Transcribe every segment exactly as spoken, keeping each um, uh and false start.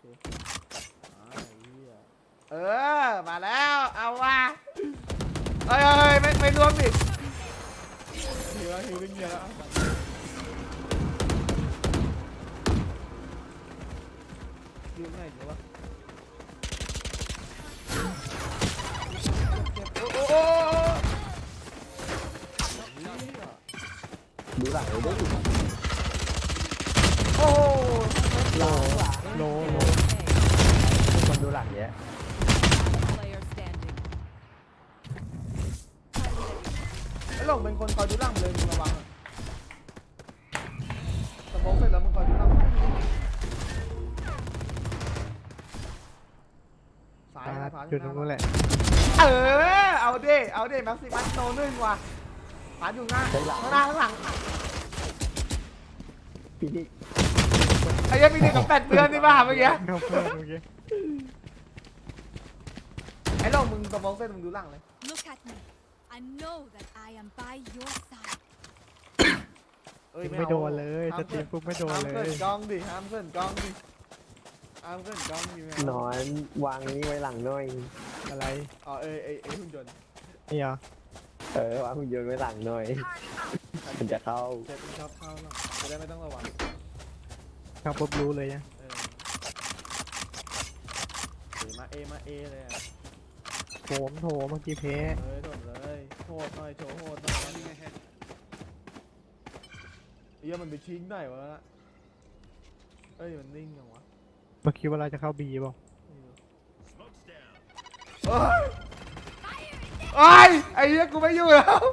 เคเออมาแล้วเอาว่ะเอ้ยเอ้ยไม่ไม่รวมดิหิวแล้วหิวเงี้ยแล้วหิวไหนเดี๋ยววะโอ้โหดูหลังเลยด้วยโอ้โหโลโลโลทุกคนดูหลังเนี้ย Player standing. ไอ้หลงเป็นคนคอยดูหลังเลยมึงระวังอะสมองเสร็จแล้วมึงคอยดูหลังสายนะผ่านจุดตรงนู้นแหละเออเอาดิเอาดิแม็กซิมัสโตนึ่งว่ะผ่านอยู่หน้าข้างหน้าข้างหลังพี่นี่ไอ้ยังมีหนึ่งกับแปดเดือนนี่ป่ะเมื่อกี้เข้าเพื่อนเมื่อกี้ไอ้หลงมึงสมองเสร็จมึงดูหลังเลย Look at me. I know that I am by your side. เอ้ยไม่โดนเลยสตรีมปุ๊บไม่โดนห้ามเลเกิยนกล้องดิห้ามเกินกล้องดิห้ามเกินกล้องดิแม่นอนวางนี้ไว้หลังหน่อยอะไรอ๋อเอ้ยเอ้ยเอ้ยหุ่นยนต์นี่เหรอเออวางหุ่นยนต์ไว้หลังหน่อยมันจะเข้าเจ็บมันชอบเข้าหรอกจะได้ไม่ต้องระวังเข้าปุ๊บรู้เลยนะเออเอมาเอมาเอเลยอ่ะโถมโถเมื่อกี้เพเฮ้ยโดดเลยโหดหน่อยโชว์โหดหน่อยนี่ไงเหี้ยมันไปชิงไหนวะน่ะเอ้ยมันนิ่งยังวะเมื่อกี้เวลาจะเข้าบีเปล่าเอ้ยเอ้ยไอ้เหี้ยกูไม่อยู่แล้ว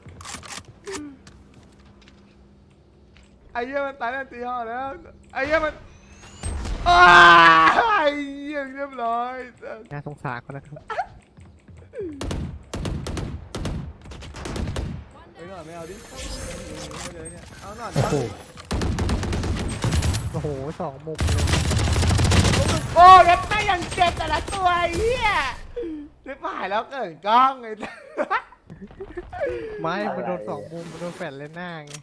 ไอ้เหี้ยมันตายแล้วตีห่อแล้วไอ้เหี้ยมันอ้ายไอ้เหี้ยเรียบร้อยน่าสงสารเขานะครับไอ้หน่อยไม่เอาดิไม่เลยเนี่ยเอาหน่อยโอ้โหโอ้โหสองมุมเลยโอ้เล็บไม่ยังเจ็บแต่ละตัวไอ้เหี้ยเล็บหายแล้วเกิดกล้องไอ้ไม่มันโดนสองมุมมันโดนแฟนเล่นหน้าไง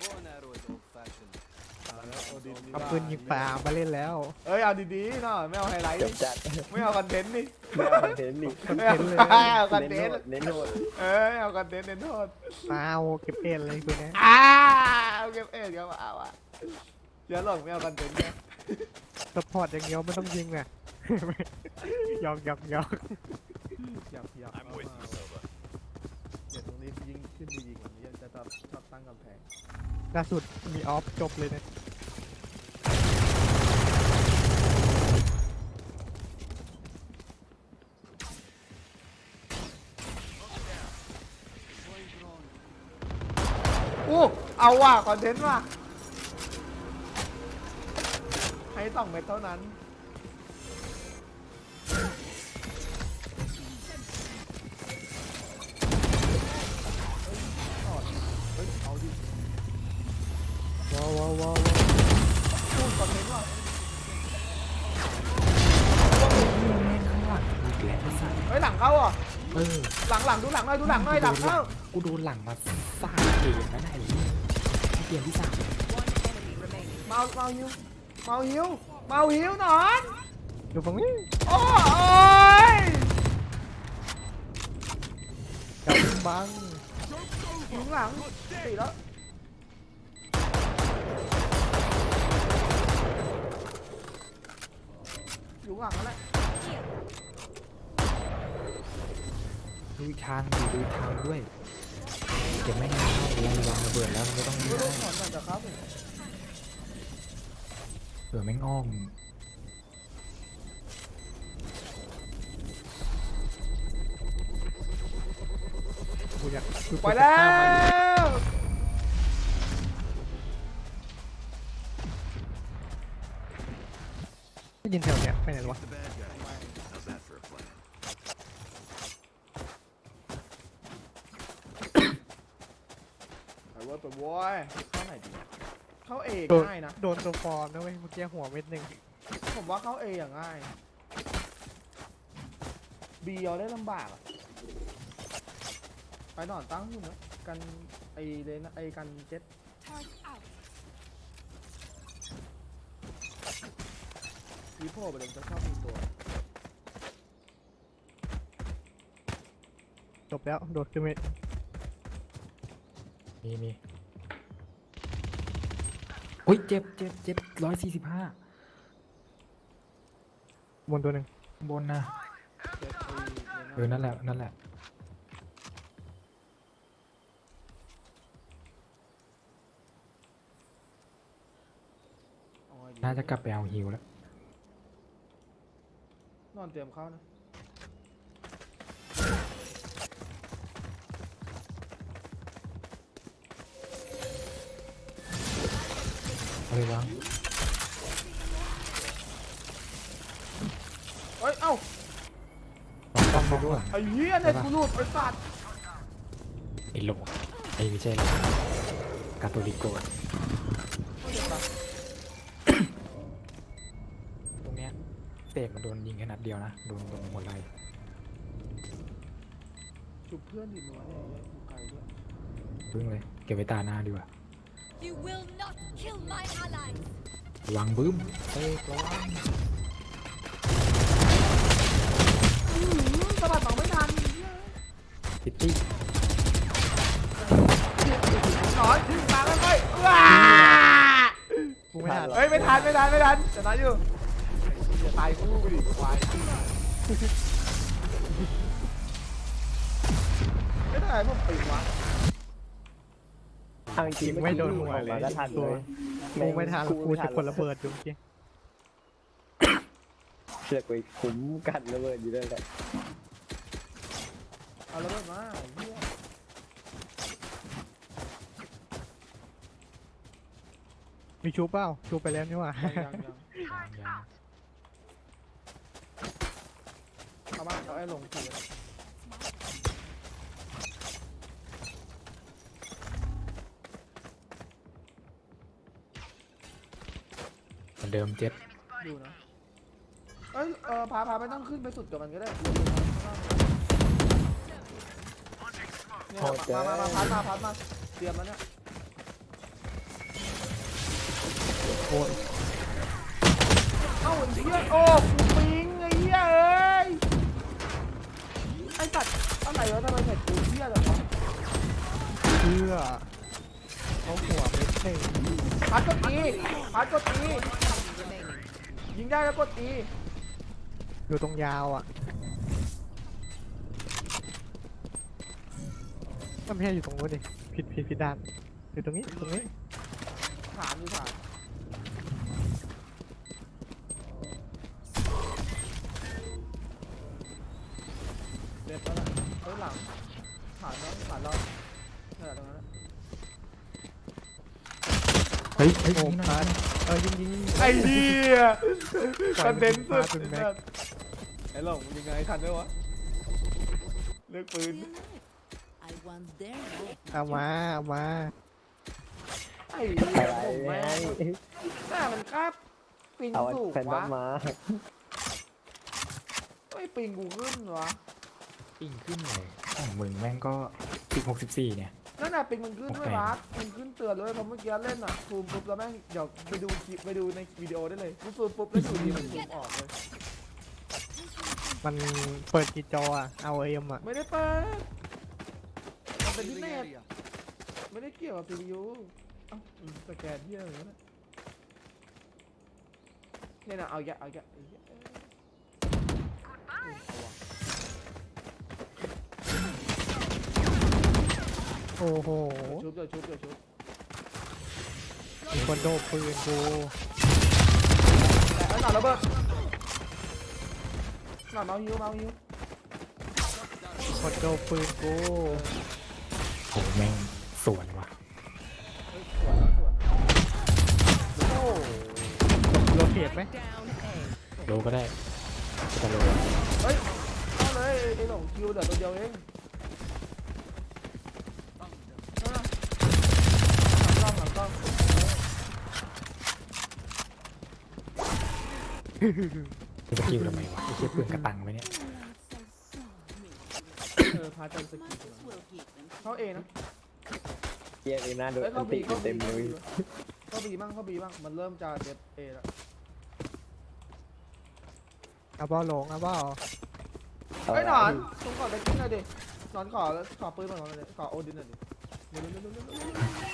เอาปืนยิงปลามาเล่นแล้วเอ้ยเอาดีๆหน่อยไม่เอาไฮไลท์จดิบจัดไม่เอาคอนเทนต์ดิไม่เอาคอนเทนต์นี่คอนไม่เทเอานต์เลยเอาคอนเทเน้นนต์โทษเน้นโทษเอ้ยเอาคอนเทนต์เน้นโทษมาเอาเก็บเอ็นเลยตัวเนี้ยอ้าเอาเก็บเอ็ดก็มาเอาอ่ะเดี๋ยวหลงไม่เอาคอนเทนต์เนี่ยสปอร์ตอย่างเดียวไม่ต้องยิงน่ะ หยอกหยอกหยอกอยากอยากเอามาเดี๋ยวตรงนี้ยิงขึ้นดีๆกว่านี้จะชอบชอบตั้งกำแพงล่าสุดมีออฟจบเลยนะอู้เอาว่ะคอนเทนต์ว่ะให้สองเม็ดเท่านั้นเฮ้ยเอาดิว้าวว้าวว้าวพูดคอนเทนต์ว่ะ เฮ้ยหลังเข้าอ่ะเออหลังหลังดูหลังหน่อยดูหลังหน่อยหลังเข้ากูโดนหลังมาสามเกมแล้วนะไอ้เหี้ยเกมที่สาม One enemy remaining. เมาเมาหิวเมาหิวเมาหิวหนอนดูฝั่งนี้โอ้ยกับบังหิวหลังตีแล้วอยู่หลังนั่นแหละดูอีกทางดิดูอีกทางด้วยเก็บไม่งเข้าเราวางระเบิดแล้วมันไม่ต้องยิงไม่ได้รู้ถอนก่อนจะครับเผื่อแม่งอ้อมกูอยากไปแล้วได้ยินแถวเนี้ยไปไหนวะไอ้เว้ยไปโว้ยเข้าไหนดีเข้าเอโดนง่ายนะโดนตัวฟอร์มนะเว้ยเมื่อกี้หัวเม็ดหนึ่งผมว่าเข้าเออย่างง่ายบีเอาได้ลำบากอะไปหนอนตั้งหุ่นนะกันไอเลนไอกันเจ็ต Turn out. วีโผล่ไปเลยจะชอบมีตัวจบแล้วโดดขึ้นไปมีมีอุ้ยเจ็บเจ็บเจ็บร้อยสี่สิบห้าบนตัวหนึ่งบนนะเจ็บไอ้เออนั่นแหละนั่นแหละน่าจะกลับไปเอาฮิวแล้วนอนเตรียมเข้านะเอาเลยวางเอ้ยเอ้าต้องไปด้วยไอ้เหี้ยเนี่ยกูหลุดไปสัตว์ไอ้โหลไอ้ไม่ใช่หรอกกาโตลิโกะไม่เจ็บปะตรงเนี้ยเสกมันโดนยิงแค่นัดเดียวนะโดนตรงหัวไหล่จุบเพื่อนดิมึงวะเนี่ยอยู่ไกลด้วยพึ่งเลยเก็บไว้ตาหน้าดีกว่า You will not kill my allies. วางบึ้มเสกระวังอื้อหือสะบัดหนองไม่ทันซิตี้หนอนถึงตาแล้วค่อยว้ากูไม่ทันเฮ้ยไม่ทันไม่ทันไม่ทันชนะอยู่จะตายคู่ไปดิควายไม่ได้พวกปิงวะทางจริงไม่โดนหัวเลยก็ทันตัเลวย กูไม่ทันกูจะกดระเบิดอยู่เมื่อกี้เชือกไปคุ้มกันระเบิดอยู่ด้วยแหละเอาแล้วมาเฮียมีชูเปล่าชูไปแล้วนี่หว่ายังยังยังยางยางเอามาเอาไอ้ลงทีเหมือนเดิมเจ็ดดูนะเอ้ยเออพาพาไม่ต้องขึ้นไปสุดกับมันก็ได้เนี่ยมามามาพัดมาพัดมาเตรียมแล้วเนี่ยโอ้ยเอ้าไอ้เหี้ยโอ้กูปิงไอ้เหี้ยเอ้ยไอ้สัตว์อะไรวะทำไมเห็ดกูเหี้ยจังวะเพื่อเขาหัวไม่เท่พัดกดอีพัดกดอียิงได้แล้วกดอีอยู่ตรงยาวอ่ะมันไม่ใช่อยู่ตรงนู้นดิผิดผิดผิดด้านอยู่ตรงนี้ตรงนี้ฐานอยู่ฐานเด็ดแล้วล่ะเฮ้ยหลังฐานแล้วฐานเราเนี่ยตรงนั้นเฮ้ยเฮ้ยโอ้ยิงหน่พาอยดเออยิงยิงไอ้เหี้ยคอนเดนสุดเป็นแม็กไอ้หลงมึงยังไงทันด้วยวะเลือกปืน I want their life. เอามาเอามาไอ้เหี้ยอะไรผมแม่งหน้ามันครับปิงเอาสูงแฟนต้อวะมาไอ้ยปิงกูขึ้นวะปิ้งขึ้นเลยของมึงแม่งก็สิบหกสิบสี่เนี่ยนั่นน่ะปิงมันขึ้นด้วยโอเควะปิงขึ้นเตือนด้วยเพราะเมื่อกี้เล่นอ่ะซูมปุ๊บแล้วแม่งเดี๋ยวไปดูคลิปไปดูในวิดีโอได้เลยกูซูมปุ๊บแล้วอยู่ดีมันซูมออกเลยมันเปิดกี่จออ่ะเอาเอ็มอ่ะไม่ได้เปิดมันเป็นที่เน็ตไม่ได้เกี่ยวกับซีพียูเอ้าอืมสแกนที่อะไรวะเนี่ยเนี่ยนะเอาแยะเอาแยะเอาแยะเอ้ยเอาว่ะโอ้โหเดี๋ยวชุบเดี๋ยวชุบเดี๋ยวชุบมีคนโดนปืนกูแต่ไอ้หน่าระเบิดหน่าเมาฮิวเมาฮิวมีคนโดนปืนกูโอ้แม่งสวนว่ะเฮ้ยสวนแล้วสวนโอ้โรเทตไหมโลก็ได้จะโลเฮ้ยเอาเลยไอ้หลงคิวเดี๋ยวตัวเดียวเองนั่นน่ะหลังกล้องหลังกล้องจะสกิลทำไมวะไอ้เชี่ยปืนกระตังไหมเนี่ยเออพาจันสกีเข้าเอนะเกียร์เลยนะโดนเฮ้ยอัเข้านติบีเข้าเต็บีมเลยเข้าบีบ้างเข้าบีบ้างมันเริ่มจะเด็ดเอแล้วเอาเบ้าหลงเอาเบ้าไอ้ยหนอนต้องขอได้กิ้งหน่อยดิหนอนขอขอปืนหน่อยดิขอโอดินหน่อยดิเร็วเร็วเร็วเร็วเร็วเร็ว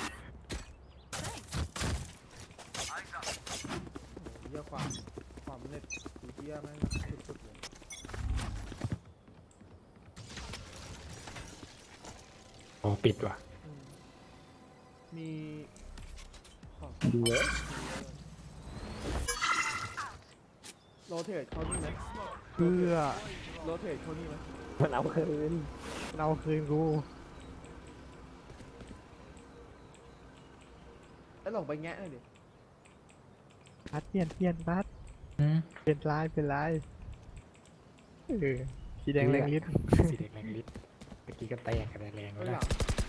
เยี่ยความความเน็ตสีเยี่ยแม่งสุดๆเลยโอ้ปิดว่ะอืมมีขอดีเว้ยโรเทตเขานี่ไหมเพื่อโรเทตเขานี่ไหมมันเอาคืนเราคืนกูไอ้หลงไปแงะหน่อยดิพัดเปลี่ยนเปลี่ยนพัดอืมเปลี่ยนลายเป็นลายเออสีแดงแรงฤทธิ์สีแดงแรงฤทธิ์เมื่อกี้ก็แตกกันแรงไอ้แล้วหลันะง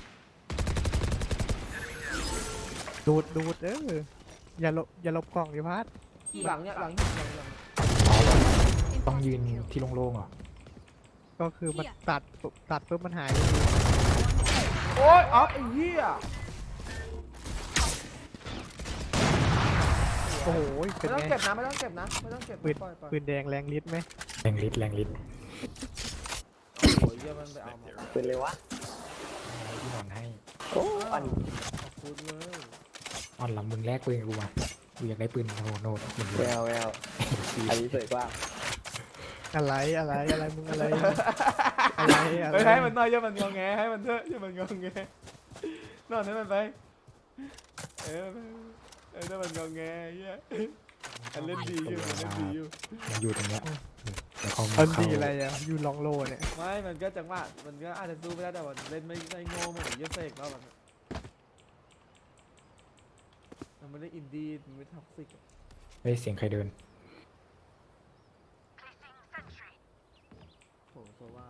ดูดดูดเอออย่าลบอย่าลบกล่องดิพัดหลังเนี่ยหลังหลังหลังหลังต้องยืนที่โล่งๆเหรอก็คือมันตัดปุ๊บตัดปุ๊บมันหายโอ๊ยออฟไอ้เหี้ยโอ้โหเป็ไม่นต้องไงเก็บนะไม่ต้องเก็บนะไม่ต้องเก็บปืนปล่อยปล่อยปืนแดงแรงฤทธิ์ไหมแรงฤทธิ์แรงฤทธิ์โอ้โหเหี้ยมันไปเอามาเป็นเลยวะให้พี่นอนให้โอ้อันขอบคุณเลยอ่อนลำมึงแลกปืนกูมากูอยากได้ปืนโนโนดเหมือนแววแววอันนี้สวยกว่าอะไรอะไรอะไรมึงอะไรอะไรอะไรไปให้มันหน่อยอย่ามันงอแงให้มันเถอะอย่ามันงอแงนอนให้มันไปเออเออถ้ามันงอแงเหี้ยอันเล่นดีอยู่มันเล่นดีอยู่มันอยู่ตรงเนี้ยเดี๋ยวเขาอันเข้าดีอะไรอ่ะอยู่ลองโลเนี่ยไม่มันก็จังหวะมันก็อาจจะสู้ไม่ได้แต่ว่าเล่นไม่ได้โง่เหมือนเยสเซกแล้วมันมันไม่ได้อินดี้มันไม่ท็อกซิกเฮ้ยเสียงใครเดินโหโซว่า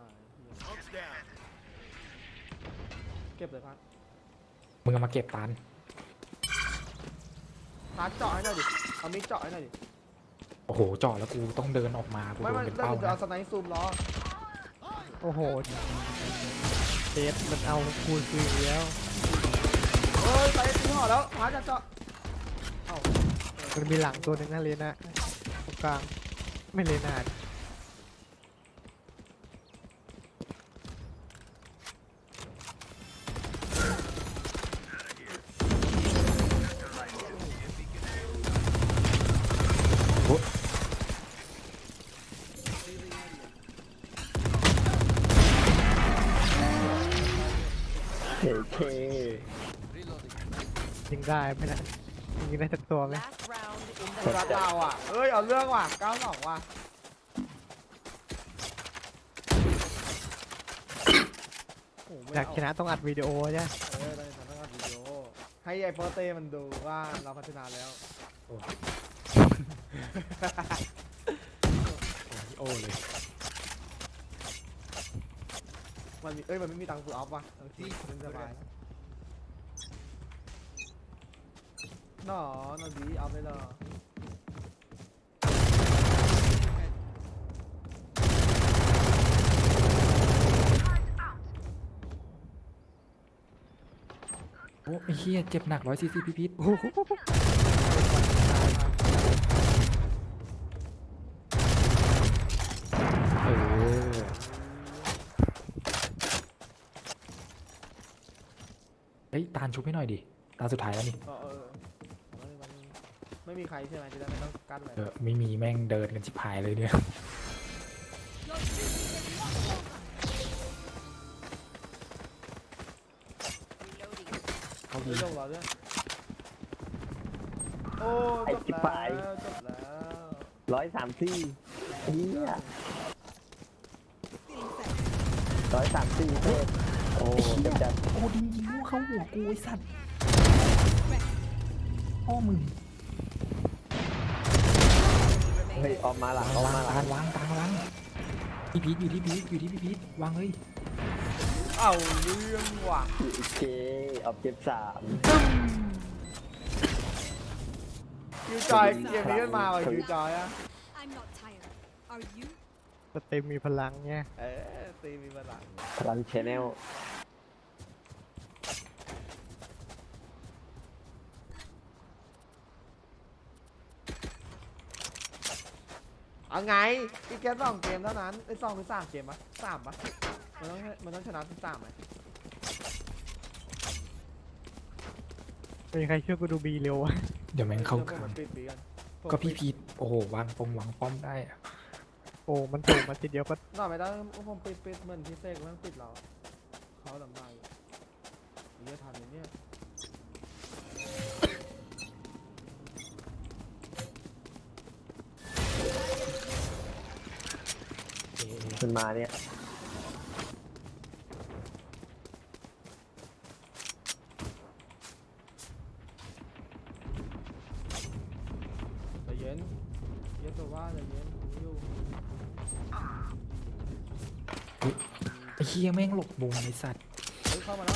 เก็บเลยพัดมึงเอามาเก็บตานพัดเจาะให้หน่อยดิเอามิดเจาะให้หน่อยดิโอ้โหเจาะแล้วกูต้องเดินออกมากูไม่โดไม่นเป็นแล้วเป้าจะนะเอาสไนซ์ซูมล้อโอ้โหเทสมันเอาคูณคืนอีกแล้วเอ้ยไปตีห่อแล้วพัดจะเจาะเอ้ามันมีหลังตัวหนึ่งนะเลน่าตรงกลางไม่เลน่าเท่เท่ยิงได้ไหมนะยิงได้สักตัวไหม Last round in สุดเราอ่ะเอ้ยเอาเรื่องว่ะเก้าสองว่ะโอ้โหไม่อยากเชนะต้องอัดวิดีโอใช่ไหมเออได้ทำให้วิดีโอให้ไอ้โปเต้มันดูว่าเราพัฒนาแล้วโอ้เลยมันมีเอ้ยมันไม่มีตังค์ฟูลออฟว่ะเออที่มันสบายหนอนอนดีเอาไปเลยโอ้ไอ้เหี้ยเจ็บหนักร้อยซีซีพิพิษโอ้โหเออเฮ้ยตาลชุบให้หน่อยดิตาสุดท้ายแล้วนี่เออเออเออมันไม่มีใครใช่ไหมจะได้ไม่ต้องกั้นเลยเออไม่มีแม่งเดินกันชิบหายเลยเนี่ย Your duty is not over. Reloading. เขาไม่ดีต้องรอด้วยโอ้จบแล้วจบแล้วร้อยสามสี่เฮีย Feeling safe. ร้อยสามสี่เท่โอ้จัดจัดโอ้ดิงยิงเข้าหัวกูไอ้สัตว์พ่อมึงเฮ้ยออกมาหลังออกวางมาหลัตาง ลวางตาลวางพี่พีทอยู่ที่พีทอยู่ที่พี่พีทวางเลยเอาเรื่องว่ะโอเคออบเจ็บสามคิวจอยเกมนี้มันมาว่ะคิวจอยอะ I'm not tired. Are you? สเต็มมีพลังเนี่ยเออตีมีพลังพลังชแนลเอเอาไงอีกแค่สองเกมเท่านั้นไอ้สองหรือสามเกมปะสามปะมันต้องมันต้องชนะทั้งสามไหมมีใครช่วยกูดูบีเร็ววะเดี๋ยวแม่งเข้าดี๋ยวกผมลางปิดปีกันผมก็พี่ปิดพีทโอ้โหวางปงวางป้อมได้อะโอ้มันถูกมาทีเดียวก็นอนไม่ได้ผมปิดปิดเหมือนพี่เสกมันปิดเราเขาลำบากอยู่เยอะทันไหมเนี่ยเอ๊ะมันมาเนี่ยใจเย็นเย็นตัวว่าใจเย็นผมอยู่ไอ้เฮียแม่งหลบมุมไอ้สัตว์เฮ้ยเข้ามาแล้ว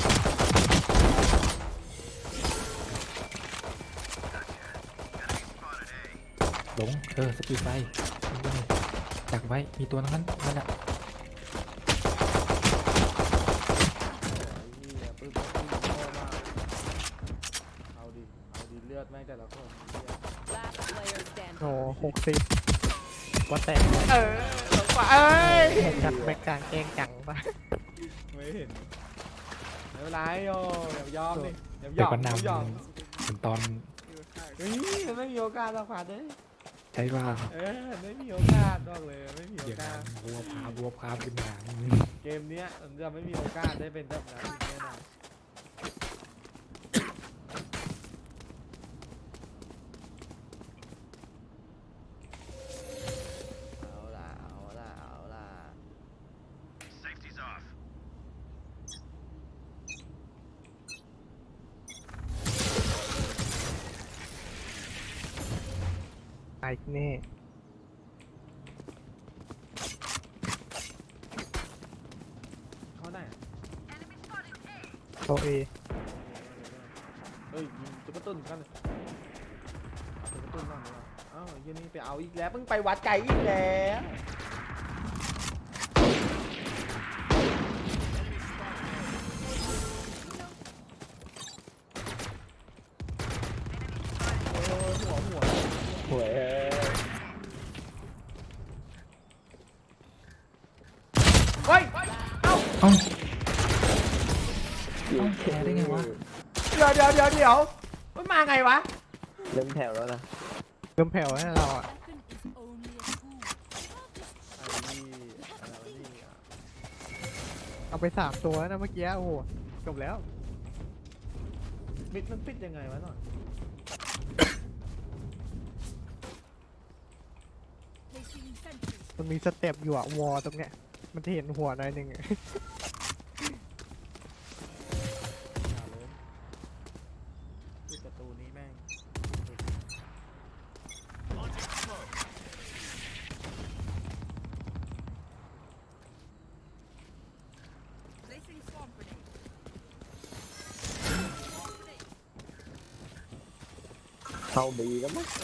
หลงเออสปีดไฟดักไว้มีตัวนั้นนั่นอ่ะไอ้เหี้ยปืนปืนโง่มากเอาดิเอาดิเลือดแม่งแต่ละคนเหี้ย Last player standing. โอ้หกสิบว่าแตกเลยเออลงไปเอ้ยจัดแบ็กกลางแกล้งจังปะไม่เห็นไม่เป็นไรโยอย่ายอมดิอย่ายเดี๋ยอวมก็อย่ายอมนำถึงตอนเฮ้ยมันไม่มีโอกาสหรอกผ่านเลยใช่ว่าเออไม่มีโอกาสบอกเลยไม่มีโอเดี๋ยวกาสนำบัวพาบัวพาขึ้นมาเกมเนี้ยมันจะไม่มีโอกาสได้เป็นแบบนั้นอีกแน่นอนเอาล่ะเอาล่ะเอาล่ะตายแน่เข้าไหนอะโตเอเฮ้ยยิงตุ๊กตุ้นกันเลยเอาตุ๊กตุ้นบ้างดีกว่าเอ้าเหี้ยันนี่ไปเอาอีกแล้วเพิ่งไปวัดไก่อีกแล้วโอ้ยหัวหัวหวยเฮ้ย เอ้าเอ้าต้องแพ้ได้ไงวะเดี๋ยวเดี๋ยวเดี๋ยวเดี๋ยวมันมาไงวะเริ่มแผ่วแล้วนะเริ่มแผ่วแล้วเราอ่ะ Weapon is only a tool. ไอ้นี่อะไรวะนี่อ่ะเอาไปสามตัวแล้วนะเมื่อกี้โอ้โหจบแล้วมิดมันปิดยังไงวะหน่อย Placing sentry. มันมีสเต็ปอยู่อะวอลตรงเนี้ยมันจะเห็นหัวหน่อยหนึ่งอะอย่าเลยปิดประตูนี้แม่ง Placing swamp grenade. เข้าบีแล้วมั้ง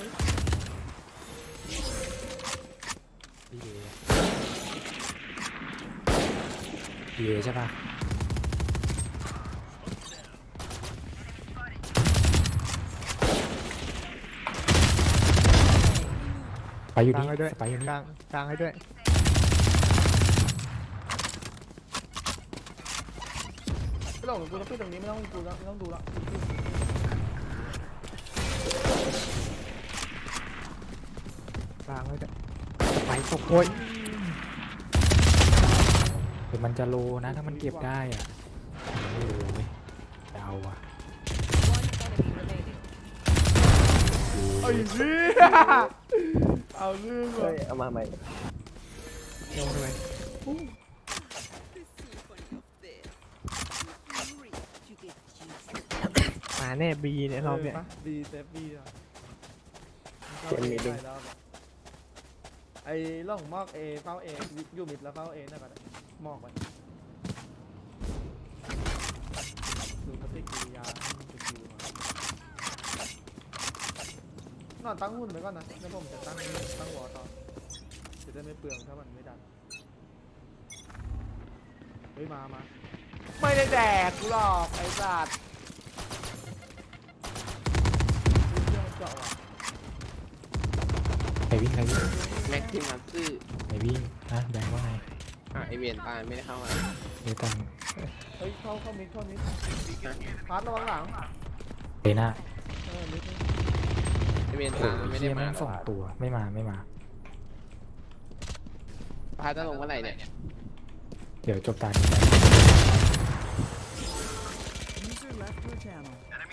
ดีเอดีเอใช่ปะไปอยู่กลางนี่ให้ด้วยไปอยู่นี่กลางกลางให้ด้วยไม่หลงกูจะปิดตรงนี้ไม่ต้องกูแล้วไม่ต้องดูแล้วกลางให้ด้วยไปตกโอ้ยเดี๋ยวมันจะโลนะถ้ามันเก็บได้อ่ะโอ้ยเดาอ่ะ One enemy remaining. ไอ้เหี้ยเอาเรื่องเฮ้ว่ะยเอามาใหม่โดนเลย The symphony of this. If you reach, you get juicy. มาแน่บีเนี่ยรอบเนี่ยบีเซฟบีอ่ะเกมนี้ดิไอ้ล่องมอกเอเฝ้าเออยู่มิดแล้วเฝ้าเอนั่นก็ได้มอกไปดูปฏิกิริยาสกิลมานอนตั้งหุ่นไปก่อนนะแล้วผมจะตั้งตั้งวอต่อจะได้ไม่เปลืองถ้ามันไม่ดันเฮ้ยมามาไม่ได้แดกกูหรอกไอ้สัตว์เฮ้ยเรื่องมันเจาะว่ะไปวิ่งไปวิ่งเแม็กซิมัสซื่อไอวิ่งนะแบงค์ว่าไงอ่ะไอเวียนตายไม่ได้เข้ามาเดี๋ยวตังเฮ้ยเข้าเข้ามิดเข้ามิดพาร์ทระวังหลังเลน่าเออมิดไอเวียนโอ้ตายโหไม่เฮีได้ยมาแม่งสองตัวไม่มาไม่มาพาจะลงเมื่อไหร่เนี่ยเดี๋ยวจบตานี้ไป User left your channel.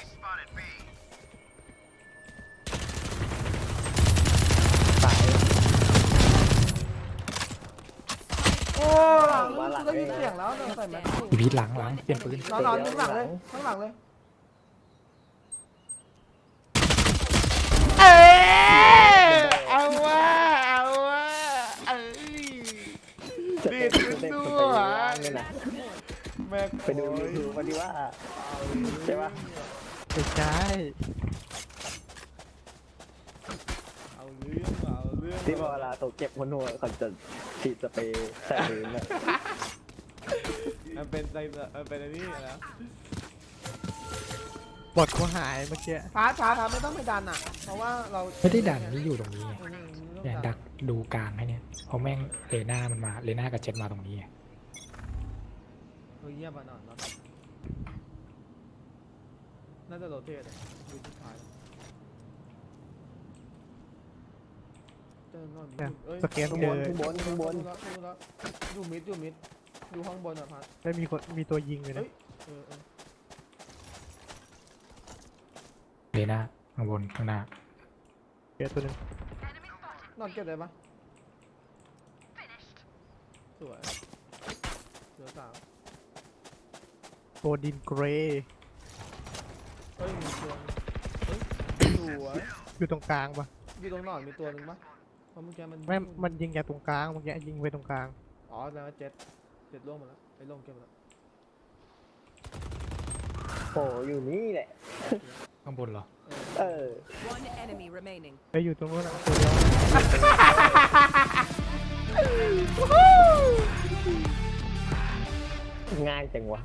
ตายโอ้หลังได้ยินเสียงแล้วเดินใส่แม็กซ์อีพีทหลังหลังเปลี่ยนปืนนอนนอนข้างหลังเลยข้างหลังเลยเอ้เอาว่าเอาว่าเอ้ยดีดขึ้นด้วยแม็กไปดูรีวิวมาดีว่าใช่ปะไม่ใช่เอาเรื่องเอาเรื่องที่พอเวลาตกเจ็บคนหัวเขาจะฉีดสเปรย์ใส่พื้นอะมันเป็นใจมันเป็นอะไรนี่แล้วบอดเขาหายเมื่อกี้พาร์ทพาร์ทพาร์ทไม่ต้องไปดันอ่ะเพราะว่าเราไม่ได้ดันนี่อยู่ตรงนี้ไงอืมไม่เนี่ยต้องดักดูกลางให้เนี่ยเพราะแม่งเลน่ามันมาเลน่ากับเจ็ดมาตรงนี้ไงเฮ้ยเยี่ยมอ่ะนอนนอนน่าจะโรเทตอ่ะดูสุดท้ายเจอนอนเนี่ยเอ้ยสแกนข้างเจบอนข้างบนข้างบนดูแล้วดูแล้วดูมิดดูมิดดูห้องบนอ่ะพัดไม่มีคนมีตัวยิงเลยนะเออเออเลน่าข้างบนข้างหน้าเจอตัวหนึงนอนเก็บได้ปะสวยเหลือสามโกดินเกรย์เฮ้ยมีตัวเฮ้ยสวยอยู่ตรงกลางปะอยู่ตรงหนอนมีตัวหนึ่งปะเพราะเมื่อกี้มันไม่มันยิงจากตรงกลางเมื่อกี้ยิงไปตรงกลางอ๋อแล้วาเจ็ดเจ็ดล่วงหมดแล้วไอ้ล่วงเก็บหมดแล้วโอ้อยู่นี่แหละข้างบนเหรอเออ One enemy remaining. ไปอยู่ตรงนู้นอะตัวเดียวง่ายจังวะ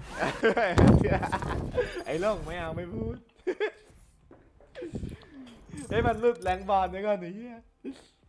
ไอ้ล่วงไม่เอาไม่พูด เฮ้ยมันหลุดแรงบอลด้วยก่อนไอ้เหี้ย